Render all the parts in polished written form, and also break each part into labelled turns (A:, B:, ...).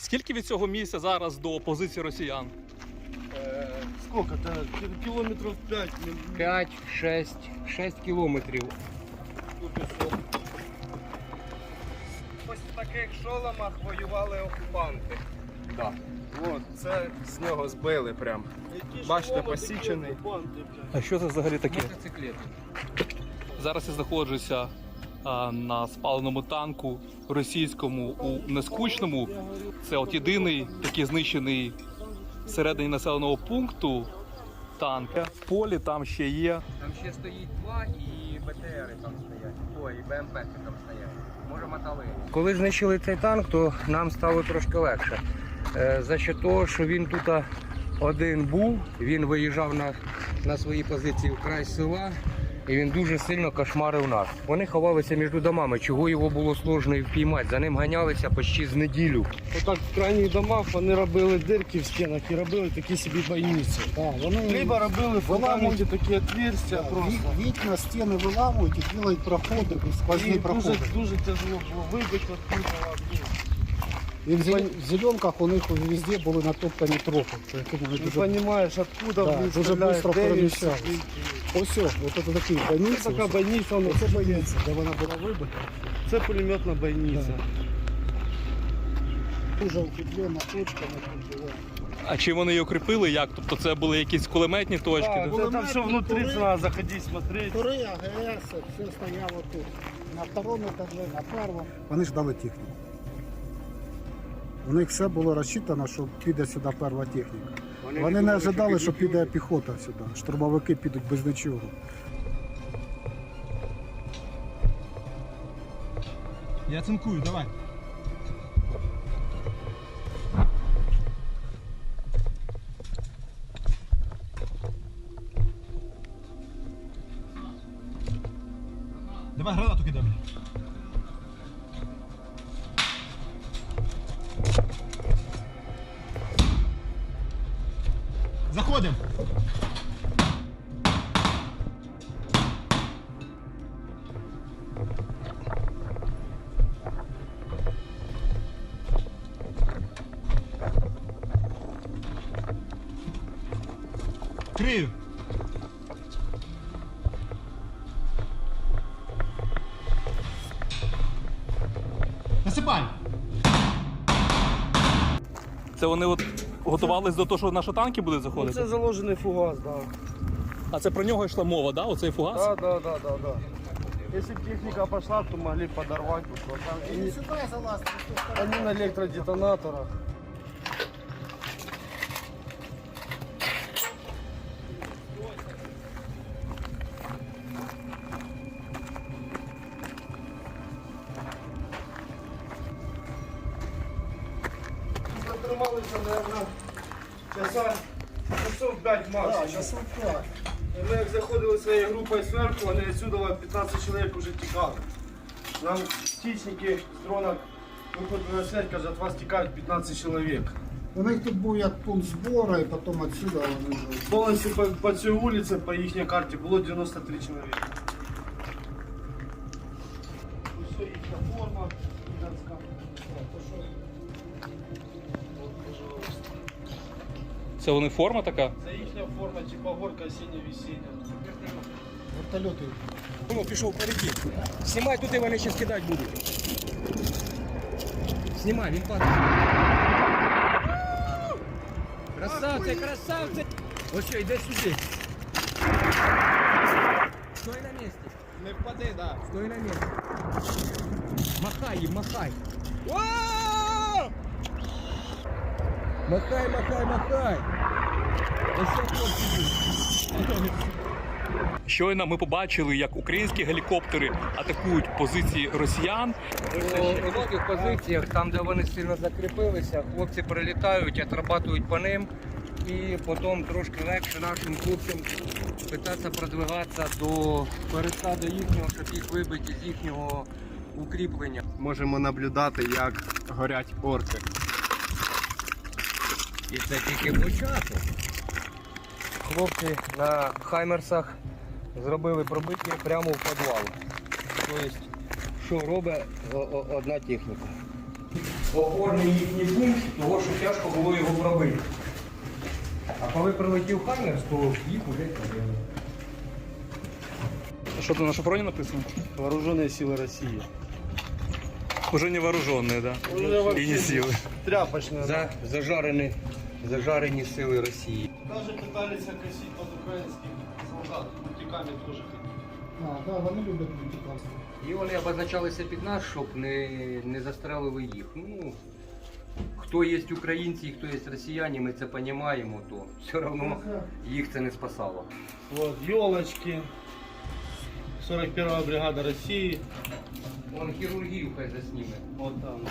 A: Скільки від цього місця зараз до позиції росіян?
B: Сколько-то? Кілометрів 5.
C: 6 кілометрів.
B: Ось в таких шоломах воювали окупанти.
C: Да.
B: От, це з нього збили прям. Бачите, посічений.
A: А що це взагалі таке?
C: Мотоциклети.
A: Зараз я знаходжуся на спаленому танку російському у Нескучному. Це от єдиний такий знищений всередині населеного пункту танк. В полі там ще є.
C: Там ще стоїть 2 і БТРи там стоять. Ой, і БМП там стоять. Може мотали. Коли знищили цей танк, то нам стало трошки легше. За що того, що він тут один був, він виїжджав на свої позиції в край села. І він дуже сильно кошмарив нас. Вони ховалися між домами, чого його було сложно і впіймати. За ним ганялися почти з неділю.
B: Отак в крайніх домах вони робили дирки в стінах і робили такі собі бойниці. Либо робили фундаментні такі отверстия просто.
D: Вікна, стіни виламують і роблять проходи, сквозні
B: І
D: проходи.
B: дуже тяжело було вибити оттуда.
D: І в зеленках у них везде були натоптані тропи.
B: Ти розумієш, откуда
D: Да,
B: вони
D: дуже
B: стріляють,
D: швидко
B: де він
D: переміщались.
B: сидить.
D: Ось, от це такі бойниці.
B: Це така бойниця, воно
D: Це бойниця, де вона була вибита.
B: це пулеметна бойниця.
D: Дуже укріплена точка на кінжові.
A: А чим вони її укріпили? Як? Тобто це були якісь кулеметні точки?
B: Так,
A: да?
B: це там все внутрі треба заходити, смотреть.
D: Тури, АГС, все стояло тут. На второму етажі, на першому. Вони ждали техніку. У них все було розчитано, що піде сюди перша техніка. Вони не ожидали, що піде піхота сюди. Штурмовики підуть без нічого.
E: Я цинкую, давай. Давай гранату кидай. Заходим. Крию. Насипай.
A: Це вони от готувались до того, що наші танки будуть заходити?
B: Це заложений фугас, так. Да.
A: А це про нього йшла мова, да? Оцей фугас?
B: Да. Если бы техника пошла, то могли подорвать. Они на электродетонаторах. Затрималися, наверное, часов 5 максимум. Ми як заходили своєю групою зверху, вони відсюди 15 чоловік вже тікали. Нам птичники з дрона виходили на связь, кажуть, від вас тікають 15 чоловік.
D: У них тут був як пункт збору, і потім відсюди вони вже.
B: Повністю по цій вулиці, по їхній карті, було 93 чоловіка. Ось їхня форма.
A: Це вони форма така?
B: Це їхня форма, типа горка осіння-весіння.
D: Вертольоти.
C: Ну, пішов перекид. Знімай туди, вони ще скидати будуть. Знімай, він падає. Красавці, красавці! Ось що, йде сюди. Стой на місці.
B: Не впади, так.
C: Стой на місці. Махай їм, махай. Махай, махай, махай. Ось що хлопці.
A: Щойно ми побачили, як українські гелікоптери атакують позиції росіян.
C: У многих позиціях, там де вони сильно закріпилися, хлопці прилітають, отрабатують по ним і потім трошки легше нашим хлопцям питатися продвигатися до пересаду їхнього, щоб їх вибити з їхнього укріплення.
B: Можемо наблюдати, як горять орки.
C: І це тільки початок. Хлопці на хаймерсах зробили пробиття прямо в підвал. Тобто, що робить одна техніка. Опорний їхній пункт, то тяжко було його пробити. А коли прилетів Хаймерс, то їх уже пробили.
A: Що тут на шафроні написано?
B: Вооруженные силы России.
A: Уже не вооружені, да? І не сили.
B: Тряпочная.
C: Зажарені сили Росії.
B: Даже пытались окосить под украинских солдат. Мультиками тоже ходили.
D: Да, вони люблять мультипластику.
C: І вони обозначалися під нас, щоб не застрелили їх. Ну, хто є українці і хто є росіяни, ми це розуміємо, то все одно їх це не спасало.
B: Вот, елочки. 41-я бригада России.
C: Вон хірургію хай засніме.
B: Вот там.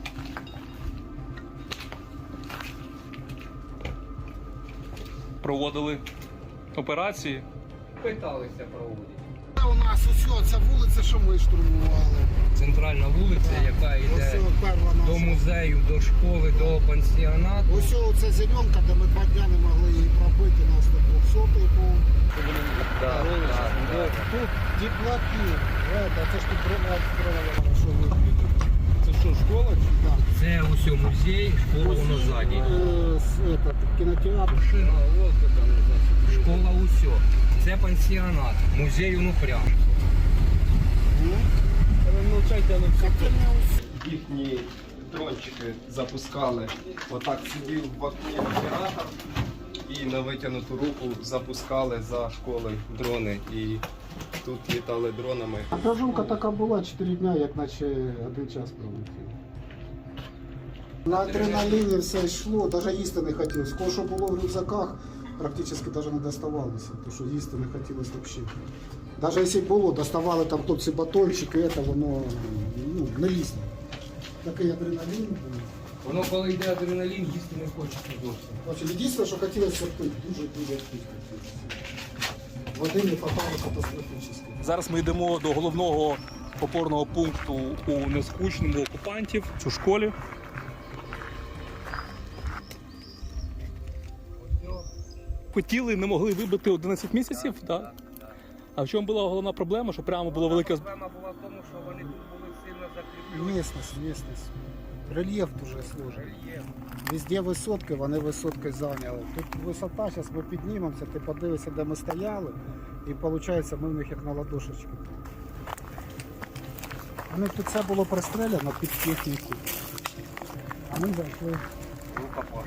A: Проводили операції.
C: Питалися проводити.
D: У нас усе, ця вулиця, що ми штурмували.
C: Центральна вулиця, яка йде
D: Ось перва
C: до
D: наша.
C: музею, до школи, до пансіонату.
D: Ось оця зеленка, де ми 2 дня не могли її пробити, нас тут 200-й був.
C: Да, да.
D: Тут діплаки. Це ж тут дрона, що ви бачите. Це що, школа чи? Да.
C: Це усьо музей, школа воно ззаді.
D: Кінотеатр.
C: Школа усьо. Це пансіонат, музей Онуфрян.
F: Їхні дрончики запускали. Отак сидів в окні оператор і на витягнуту руку запускали за школою дрони. І тут літали дронами.
D: А проживка така була 4 дня, як наче 1 час пролетів. На адреналіні все йшло, навіть їсти не хотілося. Кого що було в рюкзаках, практично навіть не доставалося, тому що їсти не хотілося взагалі. Навіть якщо було, доставали там хлопці батончики, це воно не лізло. Такий адреналін був.
C: Воно коли йде адреналін, їсти не хочеться зовсім.
D: Значить, єдине, що хотілося пити, дуже-дуже пити хотілося. Води не хватало катастрофічно.
A: Зараз ми йдемо до головного опорного пункту у Нескучному окупантів, у школі. Хотіли, не могли вибити 11 місяців, так? А в чому була головна проблема? Що прямо було велике...
C: Проблема була в тому, що вони тут були сильно закріплені.
D: Місцевість. Рельєф дуже сложний. Везде висотки, вони висотки зайняли. Тут висота, зараз ми піднімемося, ти подивишся, де ми стояли, і виходить, ми в них як на ладошечки. У них тут все було пристреляно під техніку. А ми зайшли в рукопаш.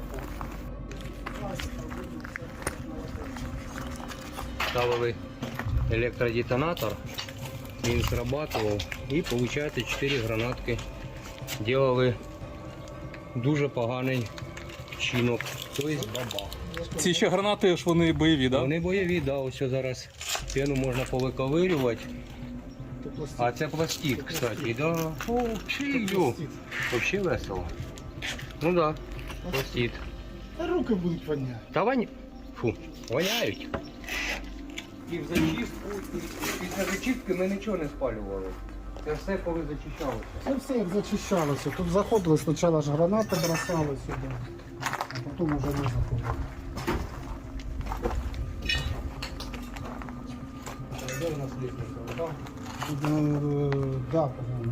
C: Ставили електродетонатор, він срабатував і виходить 4 гранатки. Делали дуже поганий чинок, тобто бабах.
A: Ці ще гранати ж вони бойові, так?
C: Вони бойові, да, ось зараз пену можна повиковирювати. А це пластик, кстати, да. О, взагалі весело. Ну да, пластик.
D: Руки будуть воняти.
C: Та фу, воняють. І в зачистку, і після зачистки ми нічого не спалювали. Це все коли зачищалося.
D: Це все як зачищалося. Тут заходили, спочатку ж гранати бросали сюди, а потім вже не заходили.
C: Де у нас лісниця? Там?
D: Да, по-моєму.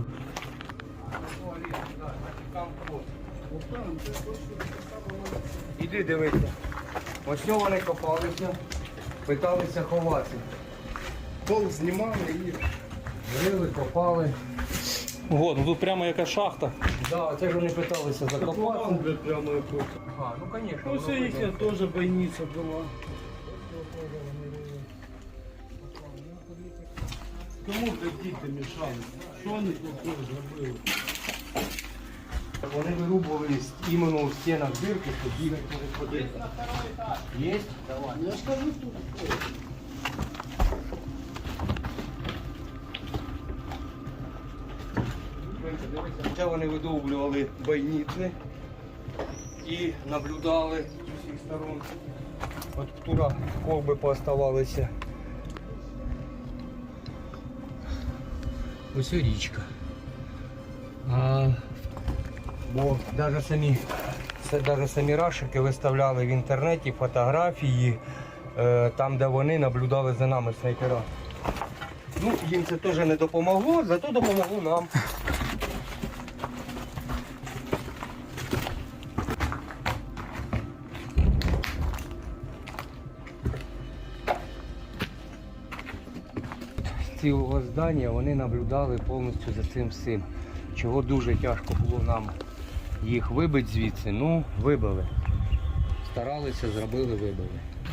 C: Іди дивися. Ось цього вони копалися, питалися ховатися. Пол знімали і рили, копали.
A: Ого, ну тут прямо яка шахта.
C: Да, це ж вони питалися закопати.
B: Прямо якось.
C: А, ну звісно.
B: Ну, це їхня теж бойниця була. Кому б діти мішали? Що вони тут зробили?
C: Вони вирубували іменно у стінах дирки, щоб бігати не ходити. Є? Давай.
D: Я ж кажу, тут.
C: Це вони видовблювали бойниці і наблюдали з усіх сторон. От птура ковби пооставалися. Ось і річка. Бо навіть самі рашики виставляли в інтернеті фотографії, там де вони наблюдали за нами снайпера. Ну, їм це теж не допомогло, зато допомогло нам. цілого здання, вони наблюдали повністю за цим всім. Чого дуже тяжко було нам їх вибити звідси, ну вибили. Старалися, зробили, вибили.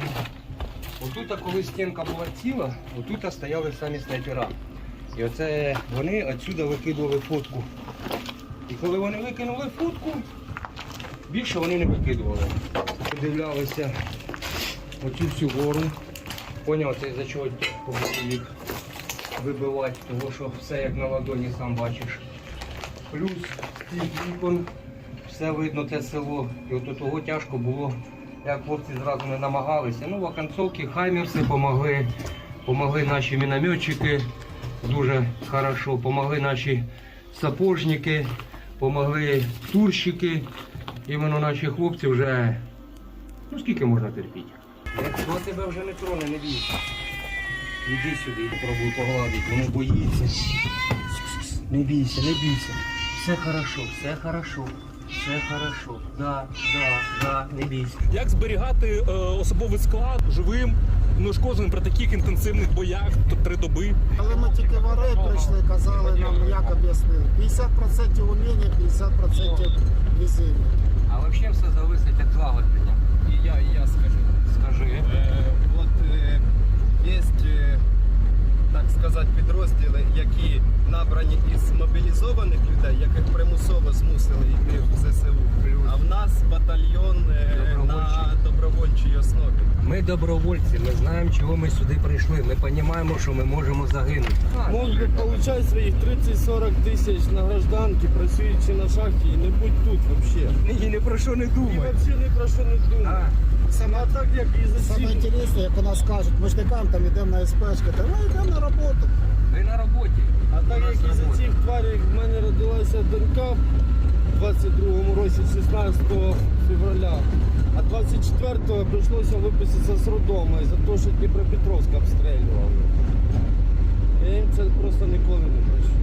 C: Отут, коли стінка була ціла, отут стояли самі снайпера. І оце вони відсюди викидували фотку. І коли вони викинули фотку, більше вони не викидували. Подивлялися оцю всю гору. Поняв, це за чого їх вибивати, тому що все як на ладоні, сам бачиш. Плюс з цих вікон все видно те село. І от того тяжко було, як хлопці зразу не намагалися. Ну, в оконцовці хаймерси помогли, помогли наші мінометчики дуже хорошо, помогли наші сапожники, помогли турщики. Іменно наші хлопці вже, ну скільки можна терпіти? Якщо тебе вже не троне, не бійся. Іди сюди і пробуй погладити, воно боїться. Не бійся, не бійся. Все хорошо, все хорошо, все хорошо. Да, не бійся.
A: Як зберігати особовий склад живим, неушкодженим при таких інтенсивних боях 3 доби?
D: Коли ми тільки в Орель прийшли, казали нам, як об'яснили. 50% уміння, 50% везіння.
C: А взагалі все залежить від злагодження.
F: І я скажу.
C: Скажи.
F: От є, так сказати, підрозділи, які набрані із мобілізованих людей, яких примусово змусили йти в ЗСУ. А в нас батальйон на добровольчій основі.
C: Ми добровольці, ми знаємо, чого ми сюди прийшли. Ми розуміємо, що ми можемо загинути.
B: Мог би получати своїх 30-40 тисяч на гражданки, працюючи на шахті, і не будь тут взагалі.
C: І ні про що не
B: І
C: думай.
B: взагалі ні про що не думай. А так як і за
D: Саме
B: ці...
D: інтересне, як у нас кажуть, ми ж не кажемо, там йдемо на СПшки, та ми йдемо на роботу.
C: Ми на роботі.
B: А так як із за цих тварів в мене родилася донька в 22-му році, 16 февраля, а 24-го прийшлося виписатися з роддому за те, що Дніпропетровськ обстрілював. Я їм це просто ніколи не прощу.